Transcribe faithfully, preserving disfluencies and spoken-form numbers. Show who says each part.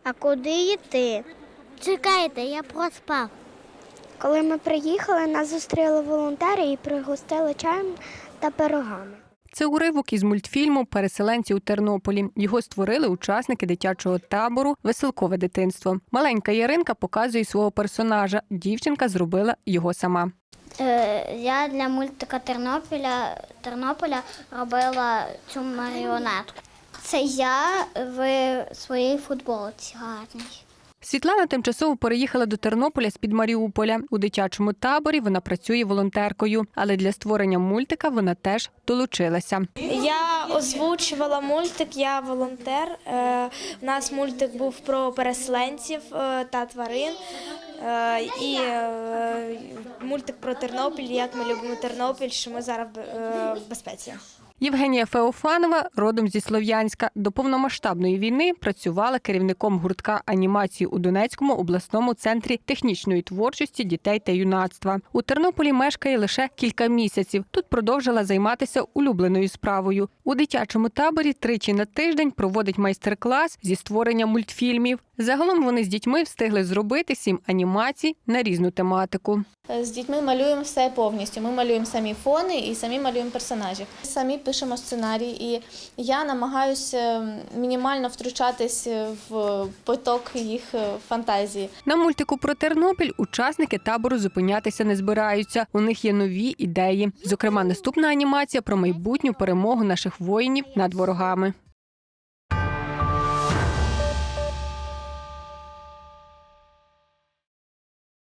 Speaker 1: А куди йти?
Speaker 2: Чекайте, я проспав.
Speaker 1: Коли ми приїхали, нас зустріли волонтери і пригостили чаєм та пирогами.
Speaker 3: Це уривок із мультфільму «Переселенці у Тернополі». Його створили учасники дитячого табору «Веселкове дитинство». Маленька Яринка показує свого персонажа. Дівчинка зробила його сама.
Speaker 2: Е, я для мультика Тернополя, Тернополя робила цю маріонетку. Це я в своїй футболці гарній.
Speaker 3: Світлана тимчасово переїхала до Тернополя з-під Маріуполя. У дитячому таборі вона працює волонтеркою, але для створення мультика вона теж долучилася.
Speaker 4: Я озвучувала мультик, я волонтер. Е, У нас мультик був про переселенців е, та тварин. Е, І е, мультик про Тернопіль, як ми любимо Тернопіль, що ми зараз в- е, в безпеці.
Speaker 3: Євгенія Феофанова, родом зі Слов'янська, до повномасштабної війни працювала керівником гуртка анімації у Донецькому обласному центрі технічної творчості дітей та юнацтва. У Тернополі мешкає лише кілька місяців. Тут продовжила займатися улюбленою справою. У дитячому таборі тричі на тиждень проводить майстер-клас зі створення мультфільмів. Загалом вони з дітьми встигли зробити сім анімацій на різну тематику.
Speaker 5: З дітьми малюємо все повністю. Ми малюємо самі фони і самі малюємо персонажів. Самі пишемо сценарій, і я намагаюся мінімально втручатись в поток їх фантазії.
Speaker 3: На мультику про Тернопіль учасники табору зупинятися не збираються. У них є нові ідеї. Зокрема, наступна анімація про майбутню перемогу наших воїнів над ворогами.